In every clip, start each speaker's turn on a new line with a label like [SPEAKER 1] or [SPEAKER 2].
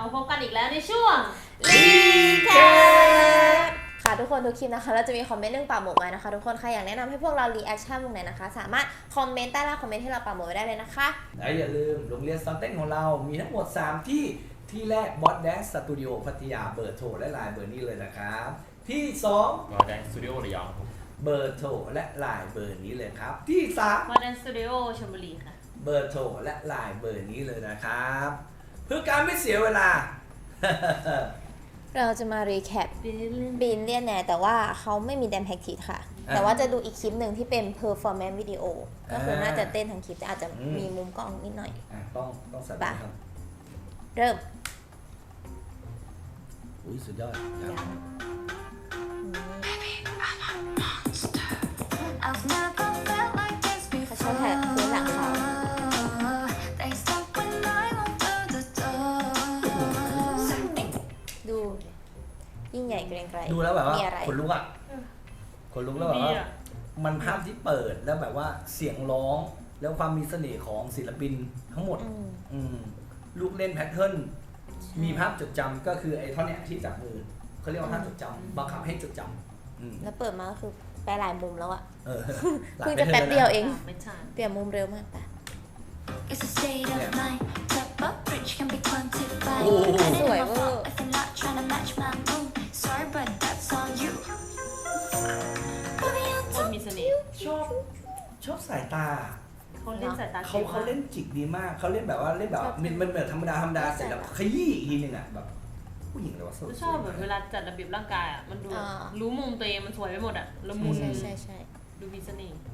[SPEAKER 1] มาพบกันอีกแล้วในช่วง
[SPEAKER 2] รีแคปค่ะทุกคนทุกคลิปนะคะเราจะมีคอมเมนต์เรื่องป่าหมกไว้นะคะทุกคนใครอยากแนะนำให้พวกเรารีแอคชั่นวงไหนนะคะสามารถคอมเมนต์ใต้ล่างคอมเมนต์ให้เราป่าหมกไว้ได้เลยนะคะ
[SPEAKER 3] และอย่าลืมโรงเรียนสอนเต้นของเรามีทั้งหมด3ที่แรกบอสแดนสตูดิโอพัทยาเบอร์โทรและไลน์เบอร์นี้เลยนะครับที่2
[SPEAKER 4] บอสแดนสตูดิโอระยองครับ
[SPEAKER 3] เบอร์โทรและไลน์เบอร์นี้เลยครับที่3
[SPEAKER 1] บอสแดนสตูดิโอชลบุรีค่ะ
[SPEAKER 3] เบอร์โทรและไลน์เบอร์นี้เลยนะครับเพื่อการไม่เสียเวลา
[SPEAKER 2] เราจะมารีแคปบินเลียนแน่แต่ว่าเขาไม่มีแดมแพ็กทีค่ะแต่ว่าจะดูอีกคลิปหนึ่งที่เป็น performance video ก็คือน่าจะเต้นทั้งคลิปแต่อาจจะมีมุมกล้องนิดหน่อย
[SPEAKER 3] ต้องสั่นครับ
[SPEAKER 2] เริ่ม
[SPEAKER 3] อุ้ยสุดยอด
[SPEAKER 2] เขาชอบแท็กพื้นหลังเขาดูยิ่งใหญ่เกรงไกร
[SPEAKER 3] ดูแล้วแบบว่าขนลุกอ่ะขนลุกแล้วแบบว่ามันภาพที่เปิดแล้วแบบว่าเสียงร้องแล้วความมีเสน่ห์ของศิลปินทั้งหมดลูกเล่นแพทเทิร์นมีภาพจดจำก็คือไอ้ท่อนเนี้ยที่จับมือเขาเรียกว่าภาพจดจำบังคับให้จดจำ
[SPEAKER 2] แล้วเปิดมาก็คือไปหลายมุมแล้วอ่ะ
[SPEAKER 3] เ
[SPEAKER 2] พิ่งจะแป๊บเดียวเอง
[SPEAKER 1] ไม่ใช่
[SPEAKER 2] เปลี่ยนมุมเร็วมากปะสวยเวอร์
[SPEAKER 1] คนมีเสน่ห์
[SPEAKER 3] ชอบสายตา
[SPEAKER 1] เขาเล่นสายตา
[SPEAKER 3] เขาเล่นจิกดีมากเขาเล่นแบบว่าเล่นแบบมันเหมือนธรรมดาเสร็จแล้วขยี้อีกทีนึงอ่ะแบบผู้หญิงเลยว่า
[SPEAKER 1] ชอบแบบเวลาจัดระเบียบร่างกายอ่ะมันดูรู้มุมตัวเองมันสวยไปหมดอ่ะละมุน
[SPEAKER 2] ใช่
[SPEAKER 1] ดูมีเสน่ห์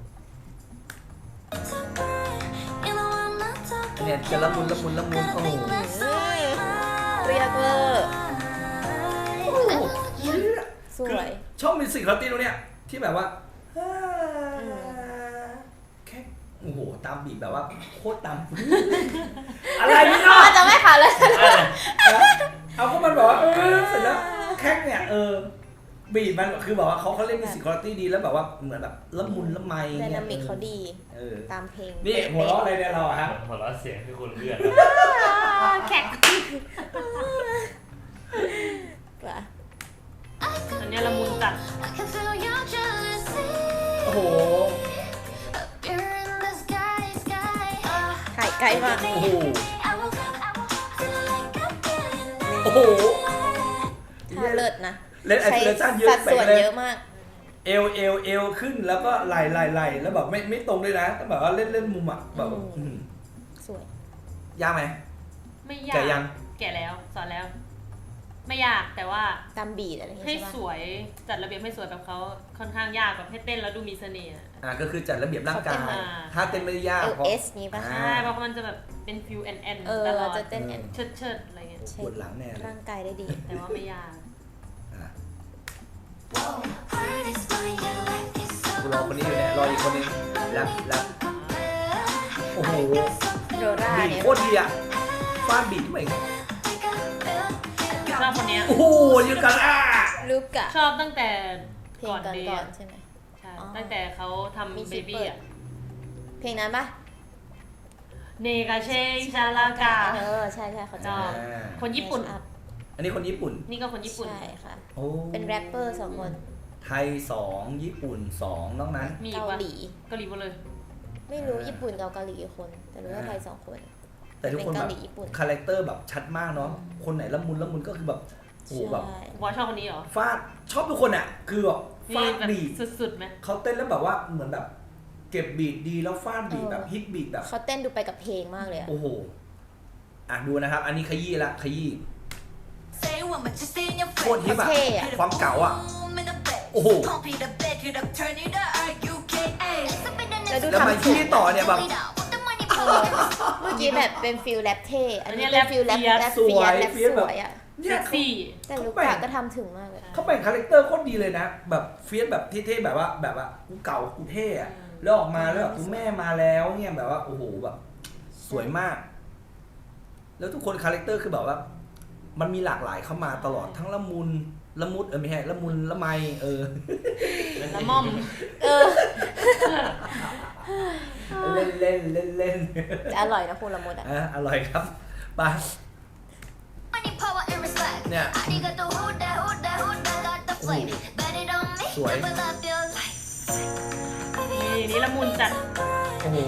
[SPEAKER 3] เนี่ยจะละมุนโอ้โห
[SPEAKER 2] เรียกเวอร์สวย
[SPEAKER 3] ชอบมิวสิกคาร์ตี้ตรงเนี้ยที่แบบว่าแค่โอ้โหตามบีบแบบว่าโคตรตามอะไรนี่เนาะ
[SPEAKER 2] จะไม่ขาดเลย
[SPEAKER 3] เอาก็มันบอกว่าเสร็จแล้วแค่เนี่ยบีบมันคือบอกว่าเขาเล่นมิวสิกคาร์ตี้ดีแล้วแบบว่าเหมือนแบบละมุนละไม
[SPEAKER 2] ไดนามิกเขาดีตามเพลง
[SPEAKER 3] นี่หัวเราะอะไรเนี่ยเราฮะ
[SPEAKER 4] หัวเราะเสียงคือคนเลื่อน
[SPEAKER 2] แขก
[SPEAKER 1] อันนี้ละมุนจัด
[SPEAKER 3] โอ้โห
[SPEAKER 2] ถ่ายไกลมาก
[SPEAKER 3] โอ้โห
[SPEAKER 2] ท่าเลิศนะ
[SPEAKER 3] เล่นแอคชั่นเยอะ
[SPEAKER 2] สัดส่วนเยอะมาก
[SPEAKER 3] เอวขึ้นแล้วก็ไหลแล้วแบบไม่ตรงเลยนะแต่แบบว่าเล่นมุมอ่ะแบบ
[SPEAKER 2] สวย
[SPEAKER 3] ยากไหม
[SPEAKER 1] ไม่ยากแก่แล้วสอนแล้วไม่ยากแต่ว่า
[SPEAKER 2] ตามบีดอะไร
[SPEAKER 1] ให้สวยจัดระเบียบให้สวยแบบเขาค่อนข้างยากแบบให้เต้นแล้วดูมีเสน่ห์
[SPEAKER 3] ก็คือจัดระเบียบร่างกายถ้าเต้นไม่ได้ยาก
[SPEAKER 2] เพราะนี้ป่ะ
[SPEAKER 1] ใช่เพราะมันจะแบบเป็นฟิวแอนตลอด
[SPEAKER 2] จะเต้น
[SPEAKER 1] เชิดอะไรเงี้ย
[SPEAKER 3] ปวดหลังแน่
[SPEAKER 2] ร่างกายได้ดี
[SPEAKER 1] แต่ว่าไม่ยาก
[SPEAKER 3] รอคนนี้อยู่เนี่ยรออีกคนนึงแล้วโอ้โห
[SPEAKER 2] โรรา
[SPEAKER 3] บีโคตรดีอ่ะฟาดบีทไม่
[SPEAKER 1] ชอบคนนี้
[SPEAKER 3] โอ้โหยูกัน
[SPEAKER 2] ลูกกะ
[SPEAKER 1] ชอบตั้งแต่
[SPEAKER 2] ก่อนใช่ไหม
[SPEAKER 1] ใช่ตั้งแต่เขาทำเบบี้อ่ะ
[SPEAKER 2] เพลงนั้นปะ
[SPEAKER 1] เนกาเชงชาลากา
[SPEAKER 2] ใช่เขา
[SPEAKER 1] ชอบคนญี่ปุ่น
[SPEAKER 3] อันนี้คนญี่ปุ่น
[SPEAKER 1] นี่ก็คนญี่ปุ่น
[SPEAKER 2] ใช่ค่ะเป็นแรปเปอร์2คน
[SPEAKER 3] ไทย2ญี่ปุ่น2นอกนั้น
[SPEAKER 1] เกาหลีหมดเลย
[SPEAKER 2] ไม่รู้ญี่ปุ่นกับเกาหลีกี่คนแต่รู้ว่าไทย2คน
[SPEAKER 3] แต่ทุกคนแบบคาแรคเตอร์แบบชัดมากเนาะคนไหนละมุนก็คือแบบโอ้แบบ
[SPEAKER 1] ว่าชอบคนนี้เหรอ
[SPEAKER 3] ฟาดชอบทุกคนอ่ะคือแบบฟาดบีท
[SPEAKER 1] สุดๆไหม
[SPEAKER 3] เขาเต้นแล้วแบบว่าเหมือนแบบเก็บบีทดีแล้วฟาดบีทแบบฮิตบีทแบบ
[SPEAKER 2] เขาเต้นดูไปกับเพลงมากเลย
[SPEAKER 3] โอ้โหดูนะครับอันนี้ขยี้โคตรฮิตอะความเก่าอ่ะโอ้โหแล้วมาที่ต่อเนี่ยแบบ
[SPEAKER 2] เมื่อกี้แบบเป็นฟิลแรปเท่อันนี้เป็นฟิลแรป
[SPEAKER 3] สวย
[SPEAKER 2] อ่ะ
[SPEAKER 1] เซ็กซี่
[SPEAKER 2] แต่ลูกกะก็ทำถึงมากเลย
[SPEAKER 3] เขาเป็นคาแรคเตอร์โคตรดีเลยนะแบบเฟียสแบบเท่ๆแบบว่ากูเก่ากูเท่อะแล้วออกมาแล้วแบบกูแม่มาแล้วเนี่ยแบบว่าโอ้โหแบบสวยมากแล้วทุกคนคาแรคเตอร์คือแบบว่ามันมีหลากหลายเข้ามาตลอดทั้งละมุนละมุดไม่ใช่ละมุนละไม
[SPEAKER 1] ละม่อม
[SPEAKER 3] เล่น
[SPEAKER 2] จะอร่อยนะคุณละมุด
[SPEAKER 3] อร่อยครับไปเนี่ยสวย
[SPEAKER 1] นี่ละมุนจัด
[SPEAKER 3] โอ้โห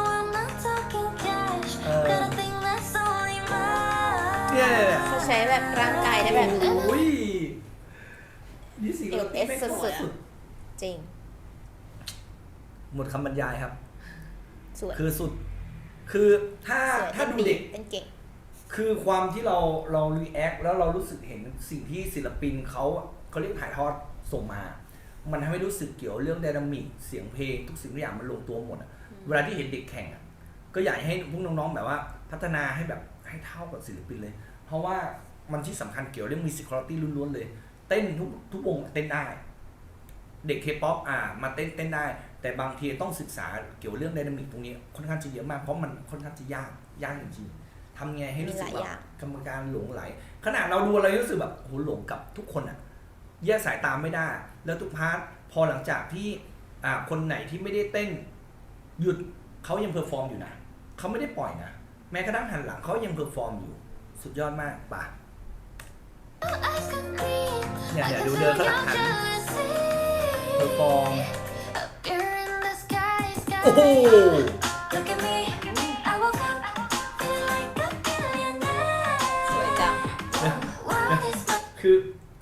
[SPEAKER 3] เนี่ย
[SPEAKER 2] เขาใช้แบบร่างกายได้แบบ
[SPEAKER 3] โอ้ยนี่สิเรา
[SPEAKER 2] LS
[SPEAKER 3] ไม่
[SPEAKER 2] สุด จริง
[SPEAKER 3] หมดคำบรรยายครับ
[SPEAKER 2] สวย
[SPEAKER 3] คือสุด คือถ้า
[SPEAKER 2] สวย
[SPEAKER 3] ถ้าดูเด็ก
[SPEAKER 2] เป็นเก่ง
[SPEAKER 3] คือความที่เรารีแอคแล้วเรารู้สึกเห็นสิ่งที่ศิลปินเขาเรียกถ่ายทอดส่งมา มันทำให้รู้สึกเกี่ยวเรื่องไดนามิกเสียงเพลงทุกสิ่งทุกอย่างมันลงตัวหมดอะเวลาที่เห็นเด็กแข่งอะก็อยากให้พวกน้องๆแบบว่าพัฒนาให้แบบให้เท่ากับศิลปินเลย เพราะว่ามันที่สำคัญเกี่ยวเรื่อง musicality ล้วนๆเลย เต้นทุกวงเต้นได้ เด็กเคป๊อปมาเต้นได้ แต่บางทีต้องศึกษาเกี่ยวเรื่องไดนามิกตรงนี้ค่อนข้างจะเยอะมากเพราะมันค่อนข้างจะยากจริงๆทำไงให้รู้สึกแบบกรรมการหลงไหลขนาดเราดูอะไรรู้สึกแบบโหหลงกับทุกคนอะแยกสายตามไม่ได้ แล้วทุกพาร์ทพอหลังจากที่คนไหนที่ไม่ได้เต้นหยุดเขายังเพอร์ฟอร์มอยู่นะเขาไม่ได้ปล่อยนะแม้กระทั่งหันหลังเขายังเพอร์ฟอร์มอยู่สุดยอดมากป่ะเนี่ยดูเดินข้างหลังหันเพอร์ฟอร์มโอ้โห
[SPEAKER 2] สวยจัง
[SPEAKER 3] คือ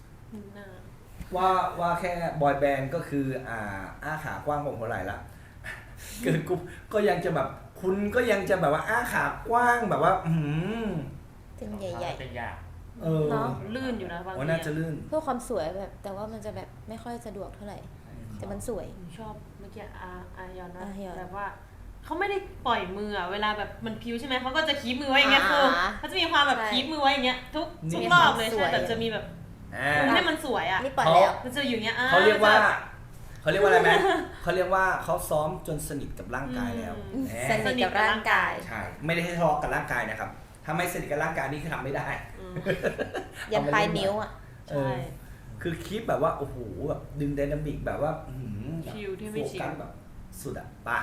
[SPEAKER 3] ว่าแค่บอยแบนด์ก็คืออ้าขากว้างกว่าหัวไหล่ละเกิดกูก็ยังจะแบบคุณก็ยังจะแบบว่าอ้าขากว้างแบบว่า
[SPEAKER 2] ถึงใหญ่
[SPEAKER 4] เป็นยาก
[SPEAKER 2] เนาะ
[SPEAKER 1] ลื่นอยู่นะบางที
[SPEAKER 3] ว่าน่าจะลื่น
[SPEAKER 2] ๆ เพื่อความสวยแบบ แต่ว่ามันจะแบบไม่ค่อยสะดวกเท่าไหร่ แต่มันสวย
[SPEAKER 1] ชอบเมื่อกี้อายอนนะ
[SPEAKER 2] อายอน
[SPEAKER 1] แบบว่าเขาไม่ได้ปล่อยมือเวลาแบบมันพิ้วใช่ไหมเขาก็จะคีบมือไว้อย่างเงี้ยคือเขาจะมีความแบบคีบมือไว้อย่างเงี้ยทุกรอบเลยใช่แบบจะมีแบบให้มันสวยอ่ะ
[SPEAKER 2] นี่ปล่อยแล้ว
[SPEAKER 1] มันจะอยู่เงี้ย
[SPEAKER 3] เขาเรียกว่าอะไรไหมเขาเรียกว่าเขาซ้อมจนสนิทกับร่างกายแล้ว
[SPEAKER 2] สนิทกับร่างกาย
[SPEAKER 3] ใช่ไม่ได้ให้ทะเลาะกับร่างกายนะครับถ้าไม่สนิทกับร่างกายนี่คือทำไม่ได้
[SPEAKER 2] ยันปลายนิ้วอ่ะ
[SPEAKER 1] ใช่
[SPEAKER 3] คือคลิปแบบว่าโอ้โหแบบดึงไดนามิกแบบว่า
[SPEAKER 1] ชิลที่ไม่ชิล
[SPEAKER 3] โฟกัสแบบสุดอ่ะป่ะ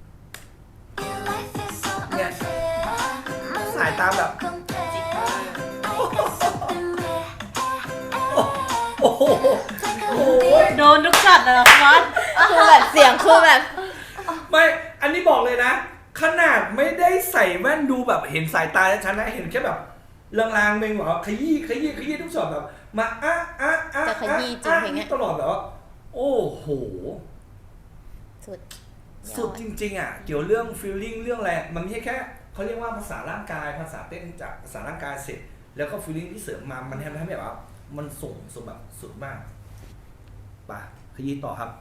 [SPEAKER 3] เนี่ยสายตาแบบโอ้โห
[SPEAKER 1] โดนทุกช็อตเลยเหรอฟอส
[SPEAKER 2] คือแบบเสียงคือแบบ
[SPEAKER 3] ไม่อันนี้บอกเลยนะขนาดไม่ได้ใส่แว่นดูแบบเห็นสายตาฉันนะเห็นแค่แบบลางๆเมงแบบขยี้ทุกช็อตแบบมา
[SPEAKER 2] จะขยี้จริงเพลงเนี้ย
[SPEAKER 3] ตลอดแบบว่าโอ้โห
[SPEAKER 2] สุด
[SPEAKER 3] จริงๆอ่ะเกี่ยวเรื่อง feeling เรื่องอะไรมันไม่ใช่แค่เขาเรียกว่าภาษาร่างกายภาษาเต้นจากภาษาร่างกายเสร็จแล้วก็ feeling ที่เสริมมามันทำให้แบบว่ามันส่งแบบสุดมากป่ะขยี้ต่อครับ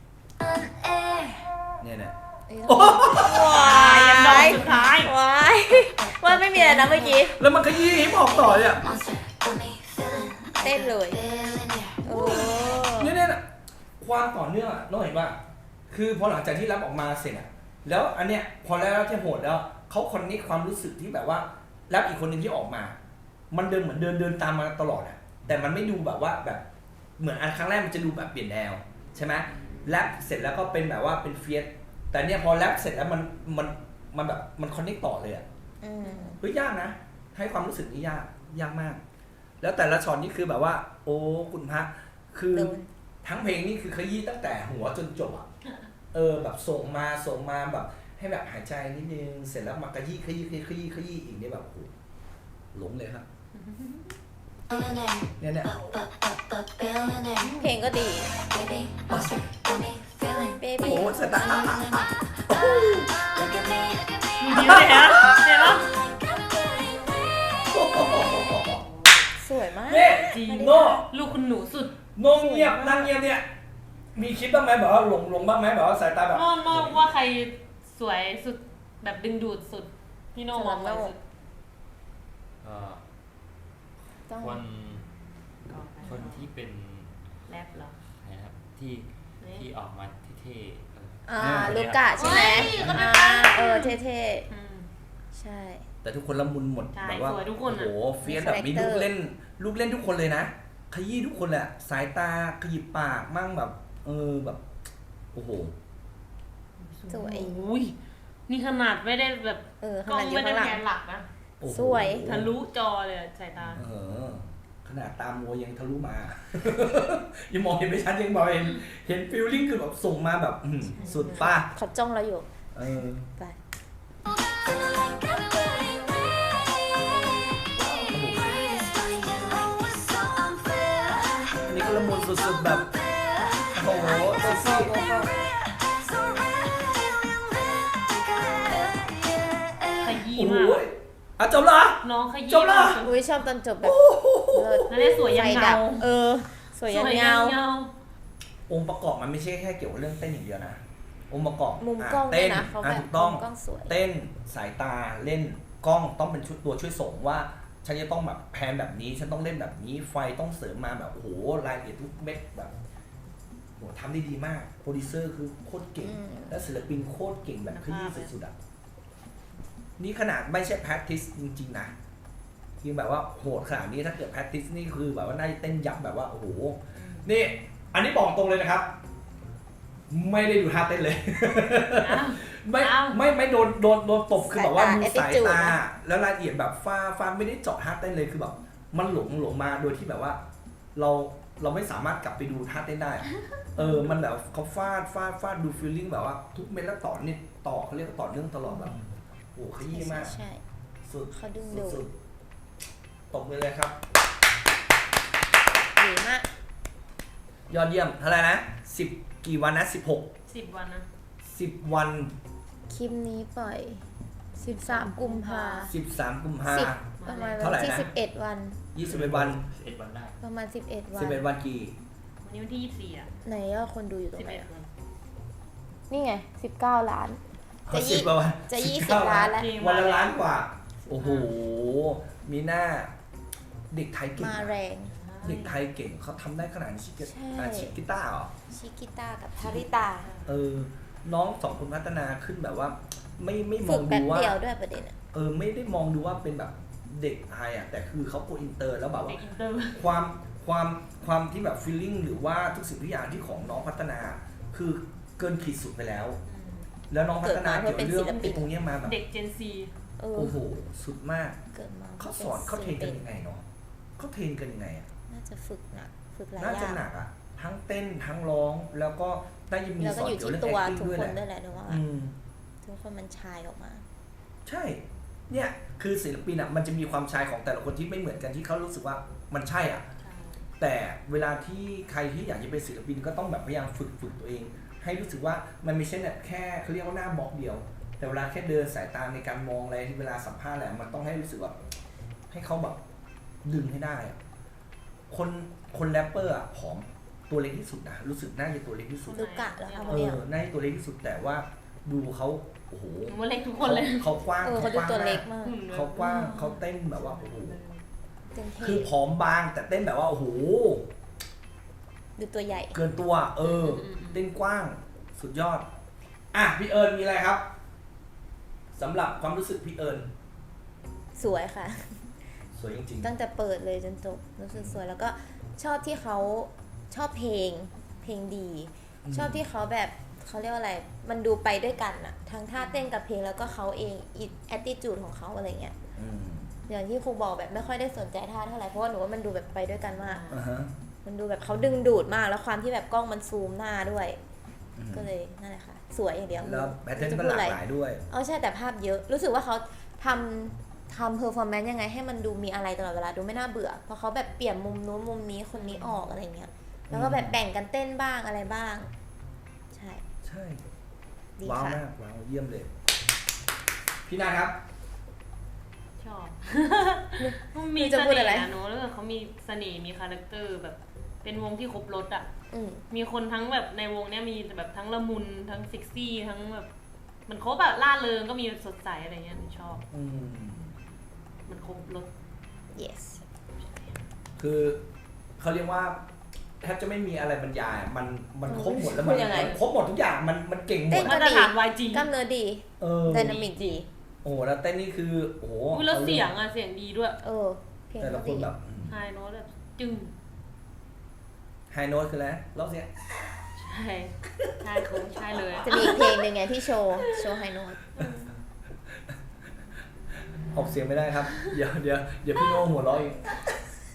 [SPEAKER 3] เนี่ย
[SPEAKER 2] ว้า
[SPEAKER 1] ยันดอกสุดท้าย
[SPEAKER 2] ว้ายว่าไม่มีอะไรนะเมื่อกี้
[SPEAKER 3] แล้วมันขยี้ฮิปฮอปต่อเนี่ย
[SPEAKER 2] เต้นเลยโอ้
[SPEAKER 3] เนี่ยความต่อเนื่องน้องเห็นป่ะคือพอหลังจากที่รับออกมาเสร็จอ่ะแล้วอันเนี้ยพอแล้วที่โหดแล้วเขาคอนเนคความรู้สึกที่แบบว่ารับอีกคนหนึ่งที่ออกมามันเดินเหมือนเดินตามมาตลอดอ่ะแต่มันไม่ดูแบบว่าแบบเหมือนอันครั้งแรกมันจะดูแบบเปลี่ยนแนวใช่ไหมแรปเสร็จแล้วก็เป็นแบบว่าเป็นเฟียสแต่เนี่ยพอแรปเสร็จแล้วมันแบบมันคอนเนคต่อเลยอ่ะเฮ้ยยากนะให้ความรู้สึกนี้ยากมากแล้วแต่ละช็อตนี่คือแบบว่าโอ้คุณพระคือทั้งเพลงนี่คือขยี้ตั้งแต่หัวจนจบอ่ะแบบส่งมาแบบให้แบบหายใจนิดนึงเสร็จแล้วมาขยี้อีกเนี่ยแบบโอ้หลงเลยครับเนี่ย
[SPEAKER 2] เพลงก็ดี
[SPEAKER 3] โอ้สตาร์
[SPEAKER 1] ดีเลยฮะเห็นปะ
[SPEAKER 2] สวยมาก
[SPEAKER 3] เนี่ย
[SPEAKER 1] จริง
[SPEAKER 3] โน่
[SPEAKER 1] ลูกคุณหนูสุด
[SPEAKER 3] โน่เงียบนั่งเงียบเนี่ยมีคิดบ้างไหมแบบว่าหลงบ้างไหมแบบว่าสายตาแบบ
[SPEAKER 1] โน่ว่าใครสวยสุดแบบดึงดูดสุดพี่โน่มองไปสุด
[SPEAKER 4] คนที่เป็น
[SPEAKER 1] แรปเหรอ
[SPEAKER 4] นะครับที่ออกมาเท่
[SPEAKER 2] ลูกกะใช่ไหมเท่ๆใช่
[SPEAKER 3] แต่ทุกคนละมุนหมดแบบว่า
[SPEAKER 1] ทุกค
[SPEAKER 3] โอ้
[SPEAKER 1] น
[SPEAKER 3] โหเฟียสแบบมีลูกเล่นทุกคนเลยนะขยี้ทุกคนแหละสายตาขยิบปากมั่งแบบแบบโอ้โห
[SPEAKER 2] สวย
[SPEAKER 1] อุ้ยนี่ขนาดไม่ได้แบบ
[SPEAKER 2] ข
[SPEAKER 1] กล้อง
[SPEAKER 2] นาดอยู่
[SPEAKER 1] ไม่ได้
[SPEAKER 2] ข้างหลัง
[SPEAKER 1] แกนหลักนะ
[SPEAKER 2] สวย
[SPEAKER 1] ทะลุจอเลยสายตา
[SPEAKER 3] ขขนาดตามมัวยังทะลุมา ยังมองเห็นไม่ชัดยังบอกเห็นฟีลลิ่งคือแบบส่งมาแบบสุดป้า
[SPEAKER 2] เขาจ้องเราอยู่ ไป
[SPEAKER 3] อันนี้ก็ละมุนสุดๆแบบโอ้โหเซ็กซี่
[SPEAKER 1] ขยี้
[SPEAKER 3] โอ้โห
[SPEAKER 1] มาก
[SPEAKER 3] อ่ะจบละ
[SPEAKER 1] น้องขยี้
[SPEAKER 3] จบละ
[SPEAKER 1] มาก
[SPEAKER 2] อุ้ยชอบตอนจบแบบเลิศ
[SPEAKER 1] นั่นแหละสวยยัน
[SPEAKER 2] ไฟ
[SPEAKER 1] เงา
[SPEAKER 2] ดับสวยยันเงา
[SPEAKER 3] องค์ประกอบมันไม่ใช่แค่เกี่ยวกับเรื่องเต้นอย่างเดียวนะองค์ประกอบ
[SPEAKER 2] มุมกล้องด้ว
[SPEAKER 3] เต้
[SPEAKER 2] ย
[SPEAKER 3] น
[SPEAKER 2] นะเขาแบบ
[SPEAKER 3] ถูกต้อง
[SPEAKER 2] มุมกล้องสวย
[SPEAKER 3] เต้นสายตาเล่นกล้องต้องเป็นชุดตัวช่วยส่งว่าฉันจะต้องแบบแพนแบบนี้ฉันต้องเล่นแบบนี้ไฟต้องเสริมมาแบบโอ้โหรายละเอียดทุกเม็ดแบบโหทำได้ดีมากโปรดิวเซอร์คือโคตรเก่ง และศิลปินโคตรเก่งแบบขยี้สุดๆอ่ะนี่ขนาดไม่ใช่แพทติสจริงๆนะคือแบบว่าโหดขนาดนี้ถ้าเกิดแพทติสนี่คือแบบว่าน่าจะเต้นยับแบบว่าโอ้โหนี่อันนี้บอกตรงเลยนะครับ ไม่ได้ดูท่าเต้นเลย ไม่โดนตบคือแบบว่าดูสายตาแล้วรายละเอียดแบบฟ้าไม่ได้เจาะท่าเต้นเลยคือแบบมันหลงมาโดยที่แบบว่าเราไม่สามารถกลับไปดูท่าเต้นได้ มันแบบเขาฟาดดูฟีลลิ่งแบบว่าทุกเม็ดแล้วต่อเนี่ยต่อเขาเรียกว่าต่อเนื่องตลอดแบบโอ้ขยี้มาก
[SPEAKER 2] ใช่
[SPEAKER 3] สุด
[SPEAKER 2] เขาดึงดูด
[SPEAKER 3] สุดตบมือเลยครับ
[SPEAKER 2] ดีมาก
[SPEAKER 3] ยอดเยี่ยมเท่าไหร่นะ10กี่วันนะ
[SPEAKER 1] 10 วันนะ
[SPEAKER 3] 10วัน
[SPEAKER 2] คลิปนี้ปล่อย 13 กุมภา
[SPEAKER 3] 13กุมภา
[SPEAKER 2] ประมาณ
[SPEAKER 3] เท่าไหร่
[SPEAKER 2] วันที่
[SPEAKER 3] นะ
[SPEAKER 2] 11 วัน
[SPEAKER 3] 21วัน
[SPEAKER 4] 11 วันได้
[SPEAKER 2] ประมาณ 11 วัน
[SPEAKER 3] 11วันกี่
[SPEAKER 1] วันนี้วันที่24อ่ะ
[SPEAKER 2] ไหนยอดคนดูอยู่ตรงไหน
[SPEAKER 1] 11 วัน
[SPEAKER 2] นี่ไง 19 ล้าน จะยี่
[SPEAKER 3] 10กว่าวัน
[SPEAKER 2] จะ
[SPEAKER 3] 19
[SPEAKER 2] 20 ล้านแล้ว
[SPEAKER 3] วันละล้านกว่า โอ้โห มีหน้าเด็กไทยเก่ง
[SPEAKER 2] มาแรง
[SPEAKER 3] เด็กไทยเก่งเขาทำได้ขนาดนี้ชิกิต้าเหรอ
[SPEAKER 2] ชิกิต้ากับทาริตา
[SPEAKER 3] น้องสองคนพัฒนาขึ้นแบบว่า ไม่ม
[SPEAKER 2] ฝึ
[SPEAKER 3] อง
[SPEAKER 2] กแป๊
[SPEAKER 3] ดู
[SPEAKER 2] บ
[SPEAKER 3] ว่า
[SPEAKER 2] เดียวด้วยประเด็นอะ
[SPEAKER 3] ไม่ได้มองดูว่าเป็นแบบเด็กไทยอ่ะแต่คือเขาโกอินเตอร์แล้วแบบ
[SPEAKER 1] เด็
[SPEAKER 3] ว่าก
[SPEAKER 1] อินเตอร์
[SPEAKER 3] ความที่แบบฟีลลิ่งหรือว่าทุกสิ่งทุกอย่างที่ของน้องพัฒนาคือเกินขีดสุดไปแล้ว แล้วน้องพัฒนาเกี่ยวกับเรื่องตรงนี้มาแบบ
[SPEAKER 1] เด็กเจนซี
[SPEAKER 2] โอ้
[SPEAKER 3] โอ้โหสุดมาก
[SPEAKER 2] เกิดมา
[SPEAKER 3] เขาสอนเขาเทรนกันยังไงเนาะเขาเทรนกันยังไงอ่ะ
[SPEAKER 2] น่าจะฝึกหนักฝึกหลาย
[SPEAKER 3] น่า
[SPEAKER 2] อ
[SPEAKER 3] จะ
[SPEAKER 2] ย่าง
[SPEAKER 3] หนักอ่ะทั้งเต้นทั้งร้องแล้วก็ได้ยินมี
[SPEAKER 2] แล้ว
[SPEAKER 3] ส
[SPEAKER 2] ก็
[SPEAKER 3] อน
[SPEAKER 2] อยู่
[SPEAKER 3] เกี่ยว
[SPEAKER 2] ที่
[SPEAKER 3] เรื่อง
[SPEAKER 2] ตัว
[SPEAKER 3] acting
[SPEAKER 2] ทุก
[SPEAKER 3] ด้วย
[SPEAKER 2] ค
[SPEAKER 3] แห
[SPEAKER 2] น
[SPEAKER 3] ละ
[SPEAKER 2] ด้วยแหละนึกว่า ทุกคนมันชายออกมา
[SPEAKER 3] ใช่ เนี่ยคือศิลปินอ่ะมันจะมีความชายของแต่ละคนที่ไม่เหมือนกันที่เขารู้สึกว่ามันใช่อ่ะ แต่เวลาที่ใครที่อยากจะเป็นศิลปินก็ต้องแบบพยายามฝึกตัวเอง ให้รู้สึกว่ามันไม่ใช่แบบแค่เขาเรียกว่าหน้าบล็อกเดียว แต่เวลาแค่เดินสายตาในการมองอะไรที่เวลาสัมภาษณ์แหละมันต้องให้รู้สึกแบบให้เขาแบบดึงให้ได้อะคนแรปเปอร์อ่ะผอมตัวเล็กที่สุดนะรู้สึกน่าจะตัวเล็กที่สุด
[SPEAKER 2] ลูกกะแล้วค่ะ
[SPEAKER 3] น่าจะตัวเล็กที่สุดแต่ว่าดูเขาโอ้โห
[SPEAKER 1] ว่าเล็กทุกคนเลย
[SPEAKER 3] เขากว้าง
[SPEAKER 2] เขาดูตัวเล็กมาก
[SPEAKER 3] เขากว้างเขาเต้นแบบว่าโอ้โห
[SPEAKER 2] เต็มที่
[SPEAKER 3] คือผอมบางแต่เต้นแบบว่าโอ้โห
[SPEAKER 2] ดูตัวใหญ่
[SPEAKER 3] เกินตัวเต้นกว้างสุดยอดอ่ะพี่เอิญมีอะไรครับสำหรับความรู้สึกพี่เอิญ
[SPEAKER 2] สวยค่ะ
[SPEAKER 3] สวยจริง
[SPEAKER 2] ตั้งแต่เปิดเลยจนจบรู้สึกสวยแล้วก็ชอบที่เขาชอบเพลงดี ชอบที่เขาแบบเขาเรียกว่าอะไรมันดูไปด้วยกันอะทั้งท่าเต้นกับเพลงแล้วก็เขาเองแอตติจูดของเขาอะไรเงี้ยอย่างที่ครูบอกแบบไม่ค่อยได้สนใจท่าเท่าไหร่เพราะว่าหนูว่ามันดูแบบไปด้วยกันมากมันดูแบบเขาดึงดูดมากแล้วความที่แบบกล้องมันซูมหน้าด้วย ก็เลยนั่นแหละค่ะสวยอย่างเดียว
[SPEAKER 3] แล้วแพทเทิร์นก็หลากหลายด้วย
[SPEAKER 2] ใช่แต่ภาพเยอะรู้สึกว่าเขาทำเพอร์ฟอร์แมนซ์ยังไงให้มันดูมีอะไรตลอดเวลาดูไม่น่าเบื่อเพราะเขาแบบเปลี่ยนมุมนู้นมุมนี้คนนี้ออกอะไรเงี้ยแล้วก็แบบแบ่งกันเต้นบ้างอะไรบ้างใช่ ดี
[SPEAKER 3] ว้าว
[SPEAKER 2] ค่ะ
[SPEAKER 3] มากว้าวเยี่ยมเลย พี่นาครับ
[SPEAKER 1] ชอบ มีเสน่ห์นะเนอะแล้วเขามีเสน่ห์มีคาแรคเตอร์แบบเป็นวงที่ครบรสอ่ะมีคนทั้งแบบในวงเนี้ยมีแบบทั้งละมุนทั้งเซ็กซี่ทั้งแบบมันครบแบบล่าเริงก็มีสดใสอะไรเงี้ยชอบมันครบรส
[SPEAKER 2] yes
[SPEAKER 3] คือเขาเรียกว่าแทบจะไม่มีอะไรบรรยายมันครบหมดแล้วมันครบหมดทุกอย่างมันเก่งหมด
[SPEAKER 1] มาตรฐาน YG
[SPEAKER 2] กล้ามเนื้อดีไดนามิกดี
[SPEAKER 3] โอ้แล้วเต้นนี่คือโอ้โห
[SPEAKER 1] แล้วเสียงเสียงดีด้วย
[SPEAKER 2] เพลง
[SPEAKER 3] แต่ละคนแบบ
[SPEAKER 1] ไฮโน้ตแบบจึ้ง
[SPEAKER 3] ไฮโน้ตคืออะไรร้องเสียง
[SPEAKER 1] ใช่คงใช่เลย
[SPEAKER 2] จะมีอีกเพลงหนึ่งไงที่โชว์ไฮโน้ต
[SPEAKER 3] ออกเสียงไม่ได้ครับเดี๋ยวพี่โน่หัวเราะอีก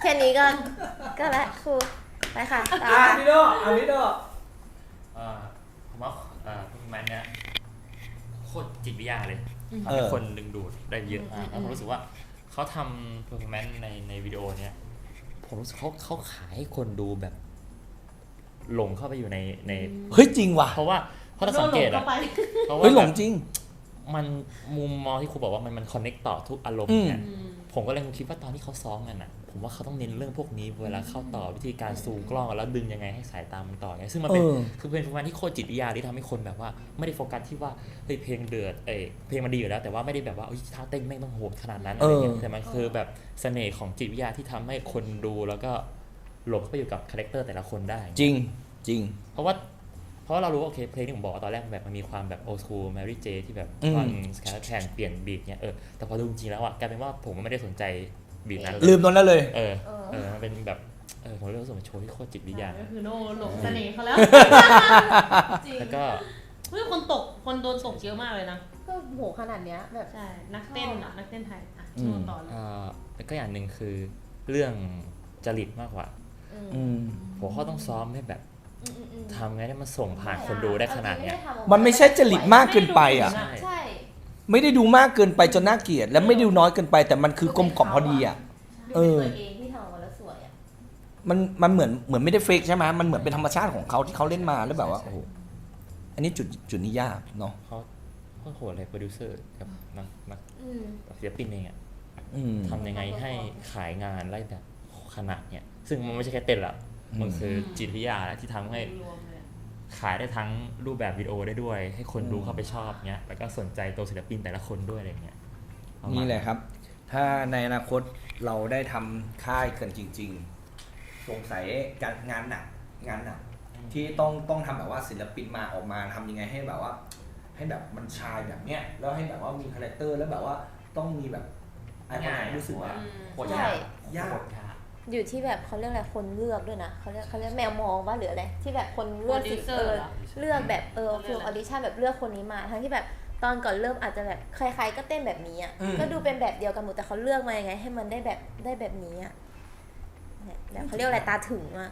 [SPEAKER 2] แค่นี้ก็ละครูไปค่ะต่อ
[SPEAKER 3] พี่โดพี่โด
[SPEAKER 4] ผมว่าพวกมันเนี่ยโคตรจิตวิทยาเลยทำให้คนดึงดูดได้เยอะมากแล้วผมรู้สึกว่าเขาทำเพอร์ฟอร์แมนซ์ในวิดีโอเนี้ยผมรู้สึกเขาขายให้คนดูแบบหลงเข้าไปอยู่ใน
[SPEAKER 3] เฮ้ยจริงว่ะ
[SPEAKER 4] เพราะถ้าสังเกตอะเพราะว่า
[SPEAKER 3] เฮ้ยหลงจริง
[SPEAKER 4] มันมุมมองที่ครูบอกว่ามันคอนเนคต่อทุกอารมณ์เนี่ยผมก็เลยคิดว่าตอนที่เขาซ้อมกันอ่ะผมว่าเขาต้องเน้นเรื่องพวกนี้เวลาเข้าต่อวิธีการซูมกล้องแล้วดึงยังไงให้สายตามันต่อไงซึ่งมันเป็นคือเป็นประมาณที่โคตรจิตวิทยาที่ทำให้คนแบบว่าไม่ได้โฟกัสที่ว่าเฮ้ยเพลงเดือดเพลงมันดีอยู่แล้วแต่ว่าไม่ได้แบบว่าท่าเต้นแม่งต้องโหดขนาดนั้นอะไรเงี้ยแต่มันคือแบบเสน่ห์ของจิตวิทยาที่ทำให้คนดูแล้วก็หลงเข้าไปอยู่กับคาแรคเตอร์แต่ละคนได้
[SPEAKER 3] จริง
[SPEAKER 4] เพราะเรารู้ว่าโอเคเพลงที่ผมบอกตอนแรกแบบมันมีความแบบโอสคูลแมรี่เจที่แบบฟังสแคร์แทนเปลี่ยนบีทเนี่ยแต่พอดูจริงๆแล้วอ่ะกลายเป็นว่าผมไม่ได้สนใจบีทนั้น
[SPEAKER 3] ลืมตรงนั้นเลย
[SPEAKER 4] มันเป็นแบบผมรู้สึกว่าโชว์ที่โคตรจิตวิทยา
[SPEAKER 1] ก็คือโน่หลงเสน่ห์เขาแล้ว
[SPEAKER 4] แล้วก็
[SPEAKER 1] เฮ้ยคนโดนตกเยอะมากเลยนะ
[SPEAKER 2] ก็โหขนาดเนี้ยแบบ
[SPEAKER 1] ใช่นักเต้นไทยโชว์ต่อเลย
[SPEAKER 4] แล้วก็อย่างหนึ่งคือเรื่องจริตมากกว่าผมเขาต้องซ้อมให้แบบทำไงให้มันส่งผ่านคนดูได้ขนาดเนี้ย
[SPEAKER 3] มันไม่ใช่จริตมากเกินไปอ่ะไม่ได้ดูมากเกินไปจนน่าเกลียดและไม่ดูน้อยเกินไปแต่มันคือกลมกล่อมพอดีอ่ะ
[SPEAKER 2] ตัวเองที่ทำมาแล้วสวยอ่ะ
[SPEAKER 3] มันเหมือนไม่ได้เฟกใช่ไหมมันเหมือนเป็นธรรมชาติของเขาที่เขาเล่นมาแล้วแบบว่าโอ้โหอันนี้จุดนี้ยากเนาะ
[SPEAKER 4] เขาโหดเลยโปรดิวเซอร์กับนักศิลปินเองอ่ะทำยังไงให้ขายงานได้แบบขนาดเนี้ยซึ่งมันไม่ใช่แค่เต้นละมันคือจิตวิทยาที่ทำให้ขายได้ทั้งรูปแบบวิดีโอได้ด้วยให้คนดูเข้าไปชอบเงี้ยแล้วก็สนใจตัวศิลปินแต่ละคนด้วยอะไรเงี้ย
[SPEAKER 3] นี่แหละครับถ้าในอนาคตเราได้ทำค่ายกันจริงๆสงสัยการงานหนักที่ต้องทำแบบว่าศิลปินมาออกมาทำยังไงให้แบบว่าให้แบบมันชายแบบเนี้ยแล้วให้แบบว่ามีคาแรคเตอร์แล้วแบบว่าต้องมีแบบอะไรรู้สึกว่า
[SPEAKER 4] โคตรยาก
[SPEAKER 2] อยู่ที่แบบเขาเรียกอะไรคนเลือกด้วยนะเขาเรียกแมวมองว่าหรืออะไรที่แบบคนเลือกเลือกแบบฟิลออดิชั่นแบบเลือกคนนี้มาทั้งที่แบบตอนก่อนเริ่มอาจจะแบบใครๆก็เต้นแบบนี้อ่ะก็ดูเป็นแบบเดียวกันหมดแต่เขาเลือกมายังไงให้มันได้แบบนี้อ่ะแบบเขาเรียกอะไรตาถึงอ่ะ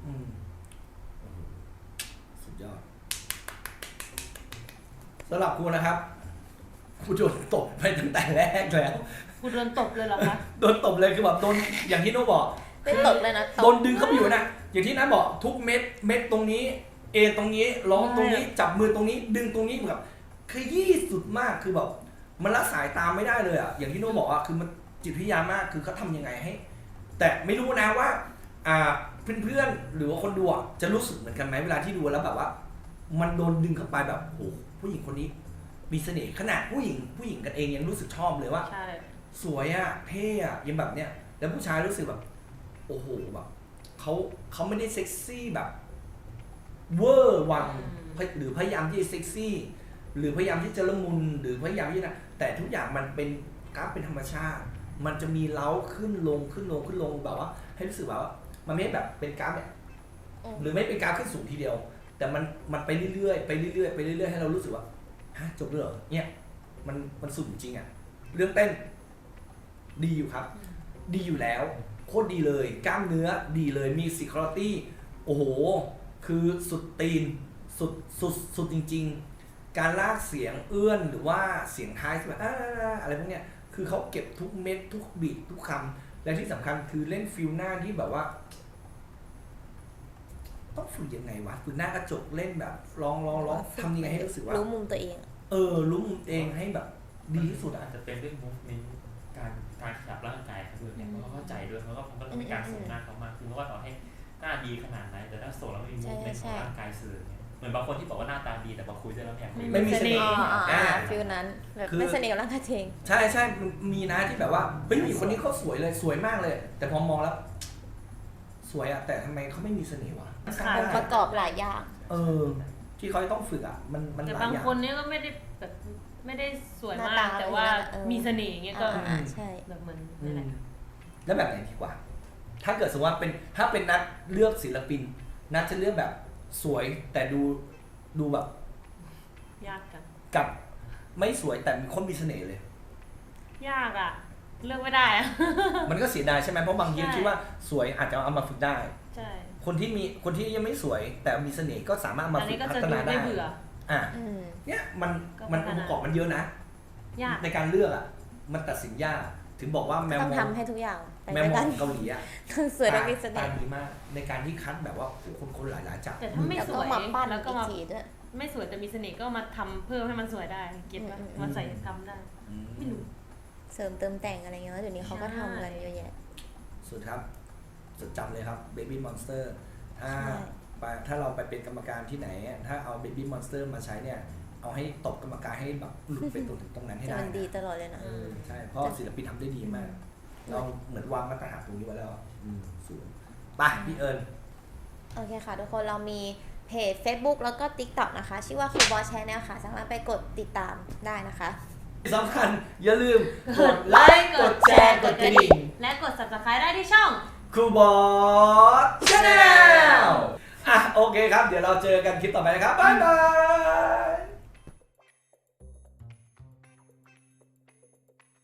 [SPEAKER 3] สุดยอดสำหรับครูนะครับครูโดนตบไปตั้งแต่แรกแล้ว
[SPEAKER 1] กูโดนตบเลยเหรอคะ
[SPEAKER 3] โดนตบเลยคือแบบโดนอย่างที่โน้บอก
[SPEAKER 2] ไม่ตบเลยนะ
[SPEAKER 3] โดนดึงเข้าไปอยู่นะอย่างที่น้าบอกทุกเม็ดตรงนี้ตรงนี้ร้องตรงนี้จับมือตรงนี้ดึงตรงนี้แบบขยี้สุดมากคือแบบมันละสายตามไม่ได้เลยอ่ะอย่างที่โน้บอกอ่ะคือมันจิตวิทยามากคือเขาทำยังไงให้แต่ไม่รู้นะว่าเพื่อนๆหรือว่าคนดูจะรู้สึกเหมือนกันไหมเวลาที่ดูแล้วแบบว่ามันโดนดึงเข้าไปแบบโอ้ผู้หญิงคนนี้มีเสน่ห์ขนาดผู้หญิงกันเองยังรู้สึกชอบเลยว่าสวยอ่ะเท่อ่ะยังแบบเนี้ยแล้วผู้ชายรู้สึกแบบโอ้โหแบบเขาไม่ได้เซ็กซี่แบบเวอร์วังหรือพยายามที่จะเซ็กซี่หรือพยายามที่จะละมุนหรือพยายามที่นะแต่ทุกอย่างมันเป็นกราฟเป็นธรรมชาติมันจะมีเล้าขึ้นลงแบบว่าให้รู้สึกแบบว่ามันไม่แบบเป็นกราฟแบบหรือไม่เป็นกราฟขึ้นสูงทีเดียวแต่มันไปเรื่อยๆให้เรารู้สึกว่าฮะจบเลยเหรอเนี่ยมันสุดจริงอ่ะเรื่องเต้นดีอยู่ครับดีอยู่แล้วโคตรดีเลยกล้ามเนื้อดีเลยมีซิคอร์ตี้โอ้โหคือสุดตีนสุดจริงๆการลากเสียงเอื้อนหรือว่าเสียงท้ายแบบอะไรพวกเนี้ยคือเขาเก็บทุกเม็ดทุกบีททุกคำและที่สำคัญคือเล่นฟิลหน้าที่แบบว่าต้องฝึกยังไงวะคือหน้ากระจกเล่นแบบร้องทำยังไงให้รู้สึกว่า
[SPEAKER 2] รู้มุมตัวเอง
[SPEAKER 3] รู้มุมเองให้แบบดีที่สุด
[SPEAKER 4] อาจจะเป็นเรื่องมูฟเมนต์การขยับร่างกายเขาด้วยเนี่ยเขาเข้าใจด้วยเพราะว่าผมก็มีการส่งหน้าเขามากคือเพราะว่าต่อให้หน้าดีขนาดไหนแต่ถ้าส่งแล้วไม่มีมูฟเมนต์ของร่างกายสื่อเนี่ยเหมือนบางคนที่บอกว่าหน้าตาดีแต่พอคุยด้วยแล้ว
[SPEAKER 3] ไม่มีเสน่ห์
[SPEAKER 2] ฟิลนั้นแบบไม่เสน่ห์กับร่างกายเอง
[SPEAKER 3] ใช่มีนะที่แบบว่าเฮ้ยผู้หญิงคนนี้เขาสวยเลยสวยมากเลยแต่พอมองแล้วสวยอะแต่ทำไมเขาไม่มีเสน่ห์วะ
[SPEAKER 2] องค์ประกอบหลายอย่าง
[SPEAKER 3] ที่เขาต้องฝึกอะมันหลายอย่าง
[SPEAKER 1] แต่บางคนเนี้ยก็ไม่ได้แบบไม่ได้สวยมากแต่ว่ามีเสน่ห์อย่างเงี้ยก็
[SPEAKER 2] ใช่
[SPEAKER 1] แบบเหมือนนั่นแหละ
[SPEAKER 3] แล้วแบบไหนดีกว่าถ้าเกิดสมมติว่าถ้าเป็นนัดเลือกศิลปินนัดจะเลือกแบบสวยแต่ดูแบบ
[SPEAKER 1] ยากกัน
[SPEAKER 3] กับไม่สวยแต่มีคนมีเสน่ห์เลย
[SPEAKER 1] ยากอ่ะเลือกไม่ได้อะ
[SPEAKER 3] มันก็เสียดายใช่ไหมเพราะบางที
[SPEAKER 1] ใช่
[SPEAKER 3] คิดว่าสวยอาจจะเอามาฝึกได้
[SPEAKER 1] ใช่
[SPEAKER 3] คนที่ยังไม่สวยแต่มีเสน่ห์ก็สามารถเอามา
[SPEAKER 1] อัน
[SPEAKER 3] ฝึ
[SPEAKER 1] นี้
[SPEAKER 3] ก
[SPEAKER 1] ก็
[SPEAKER 3] พั
[SPEAKER 1] จะ
[SPEAKER 3] ฒ
[SPEAKER 1] ดู
[SPEAKER 3] นาได้
[SPEAKER 1] ไม่เบื่อ
[SPEAKER 3] อ่ะ
[SPEAKER 2] อืม
[SPEAKER 3] เนี่ยมัน
[SPEAKER 1] ก็
[SPEAKER 3] มัน
[SPEAKER 1] พั
[SPEAKER 3] อง
[SPEAKER 1] ฒนา
[SPEAKER 3] ค์ประกอบมันเยอะนะ
[SPEAKER 1] ยาก
[SPEAKER 3] ในการเลือกอ่ะมันตัดสินยากถึงบอกว่าแมว
[SPEAKER 2] ต้อง
[SPEAKER 3] มอง
[SPEAKER 2] ทำให้ทุกอย่างไป
[SPEAKER 3] แม
[SPEAKER 2] ด้
[SPEAKER 3] ว
[SPEAKER 2] วย
[SPEAKER 3] มอ
[SPEAKER 2] กั
[SPEAKER 3] ง
[SPEAKER 2] น
[SPEAKER 3] เกาหลีอ่ะ
[SPEAKER 2] ทั้งสวยและมีเสน่
[SPEAKER 3] ตา
[SPEAKER 2] ห์
[SPEAKER 3] ดีมากในการที่คัดแบบว่าคนหลายๆจับ
[SPEAKER 1] แต่ถ้าไม่
[SPEAKER 2] แล้ว
[SPEAKER 1] ส
[SPEAKER 2] ก็
[SPEAKER 1] วย
[SPEAKER 2] มาปั้น
[SPEAKER 1] แล้วก็
[SPEAKER 2] อีก
[SPEAKER 1] มา
[SPEAKER 2] ทีด้วย
[SPEAKER 1] ไม่สวยแต่มีเสน่ห์ก็มาทำเพิ่มให้มันสวยได้เก็ตป่ะ
[SPEAKER 2] อืม
[SPEAKER 1] มาใส่ทำได้ ไม่รู้
[SPEAKER 2] เสริมเติมแต่งอะไรเงี้ยเดี๋ยวนี้เขาก็ทำกันเยอะแยะ
[SPEAKER 3] สุดครับจดจำเลยครับ Baby Monster ถ้า
[SPEAKER 2] ใช่
[SPEAKER 3] ถ้าเราไปเป็นกรรมการที่ไหนอะถ้าเอา Baby Monster มาใช้เนี่ย เอาให้ตบกรรมการให้แบบหลุดไปตรงนั้นให้
[SPEAKER 2] จะ
[SPEAKER 3] ได้
[SPEAKER 2] มันดี
[SPEAKER 3] นะ
[SPEAKER 2] ตลอดเลยนะ
[SPEAKER 3] ใช่เพราะศิลปินทำได้ดีมาก เราเหมือนวางมาตรฐานตรงนี้ไว้แล้วอะสูงไปพี่เอิญ
[SPEAKER 2] โอเคค่ะทุกคนเรามีเพจ Facebook แล้วก็ TikTok นะคะ ชื่อว่า Coolboy Channel ค่ะ สามารถไปกดติดตามได้นะคะ
[SPEAKER 3] ที่สำคัญอย่าลืมกดไลค์กดแชร์กดกระดิ่ง
[SPEAKER 1] และกด subscribe ได้ที่ช่อง
[SPEAKER 3] ครูบอสชาแนลอ่ะโอเคครับ เดี๋ยวเราเจอกันคลิปต่อไปนะครับ บ๊ายบาย